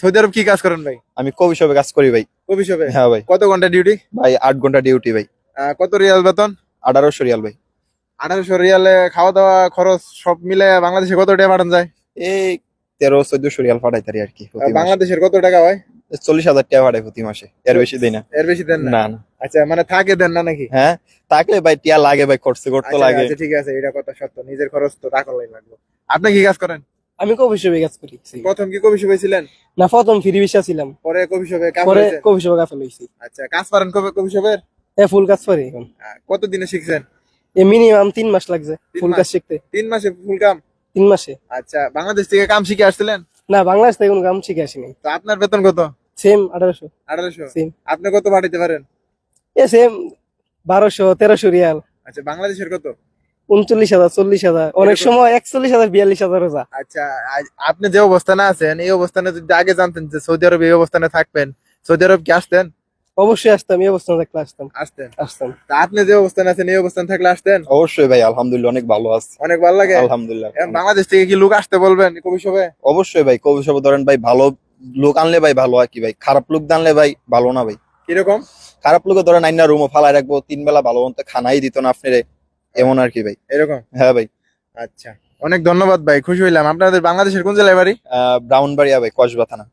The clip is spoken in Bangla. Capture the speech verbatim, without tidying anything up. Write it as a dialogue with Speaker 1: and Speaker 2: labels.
Speaker 1: সৌদি আরব কি কাজ করেন ভাই?
Speaker 2: আমি কবি শপে কাজ করি ভাই।
Speaker 1: কফি শপে?
Speaker 2: হ্যাঁ ভাই।
Speaker 1: কত ঘন্টা ডিউটি?
Speaker 2: ভাই আট ঘন্টা ডিউটি ভাই।
Speaker 1: আহ, কত রিয়াল বেতন?
Speaker 2: আঠারোশো রিয়াল ভাই।
Speaker 1: আঠারোশো রিয়ালে খাওয়া দাওয়া খরচ সব মিলে বাংলাদেশে কত টাকা পাঠান যায়?
Speaker 2: এই তেরো চোদ্দশো রিয়াল পাঠাইতারি আর কি
Speaker 1: আহ,
Speaker 2: প্রতি মাসে।
Speaker 1: বাংলাদেশের কত টাকা হয়?
Speaker 2: চল্লিশ হাজার টাকা পাঠাই প্রতি মাসে, এর বেশি দেই না।
Speaker 1: এর বেশি দেন না?
Speaker 2: না না।
Speaker 1: আচ্ছা, মানে থাকে দেন না নাকি?
Speaker 2: হ্যাঁ থাকলে ভাই টিয়া লাগে ভাই, খরচ করতে
Speaker 1: আচ্ছা,
Speaker 2: লাগে।
Speaker 1: আচ্ছা, ঠিক আছে, এটা কথা সত্য, নিজের খরচ তো টাকা লাগবে। আপনি কি কাজ করেন?
Speaker 3: আমি কফি শপে কাজ করি।
Speaker 1: প্রথম কি কফি শপে ছিলেন?
Speaker 3: না, প্রথম ফ্রি ভিসা ছিলাম,
Speaker 1: পরে কফি শপে কাজ
Speaker 3: পরে
Speaker 1: করেছেন?
Speaker 3: কফি শপে কাজ লইছি।
Speaker 1: আচ্ছা, কাজ পারেন কফি শপের?
Speaker 3: হ্যাঁ, ফুল কাজ করি এখন।
Speaker 1: কত দিনে শিখছেন?
Speaker 3: এ মিনিমাম তিন মাস লাগছে
Speaker 1: তিন
Speaker 3: ফুল
Speaker 1: মাস?
Speaker 3: কাজ শিখতে।
Speaker 1: তিন মাসে ফুল কাম?
Speaker 3: তিন মাসে।
Speaker 1: আচ্ছা, বাংলাদেশ থেকে কাম শিখে আসছিলেন?
Speaker 3: না, বাংলাদেশ থেকে কোনো কাম শিখে আসিনি।
Speaker 1: তো আপনার বেতন কত?
Speaker 3: সেম আঠারোশো।
Speaker 1: আঠারোশো?
Speaker 3: সেম।
Speaker 1: আপনি কত পাঠাইতে পারেন?
Speaker 3: এ সেম বারোশো তেরোশো রিয়াল।
Speaker 1: আচ্ছা, বাংলাদেশের কত?
Speaker 3: উনচল্লিশ হাজার চল্লিশ হাজার অনেক
Speaker 1: এরকম?
Speaker 3: সময় একচল্লিশ হাজার বিয়াল্লিশ হাজার যা।
Speaker 1: আচ্ছা, আজ আপনি যে অবস্থানে আছেন, এই অবস্থানে যদি আগে জানতেন যে সৌদি আরব এই অবস্থানে থাকবেন, সৌদি আরব কি আসতেন?
Speaker 3: অবশ্যই আসতাম, এই অবস্থান থাকলে আসতাম।
Speaker 1: আসতেন?
Speaker 3: আসতাম।
Speaker 1: তা আপনি যে অবস্থানে আছেন এই অবস্থান থাকলে আসতেন?
Speaker 2: অবশ্যই ভাই, আলহামদুলিল্লাহ অনেক ভালো আছে।
Speaker 1: অনেক ভালো লাগে?
Speaker 2: আলহামদুলিল্লাহ।
Speaker 1: এখন বাংলাদেশ থেকে কি লোক আসতে বলবেন কবি শপে?
Speaker 2: অবশ্যই ভাই, কবি শপে ধরেন ভাই ভালো লোক আনলে ভাই ভালো আর কি ভাই, খারাপ লোক আনলে ভাই ভালো না ভাই।
Speaker 1: কিরকম?
Speaker 2: খারাপ লোকে ধরেন আইনা রুমও ফালাই রাখবো, তিন বেলা ভালো মতো খানাই দিত না আপনারে, এমন আর কি ভাই।
Speaker 1: এরকম?
Speaker 2: হ্যাঁ ভাই।
Speaker 1: আচ্ছা, অনেক ধন্যবাদ ভাই, খুশি হইলাম। আপনাদের বাংলাদেশের কোন জেলায় বাড়ি?
Speaker 2: আহ ব্রাউনবাড়িয়া ভাই, কসবা থানা।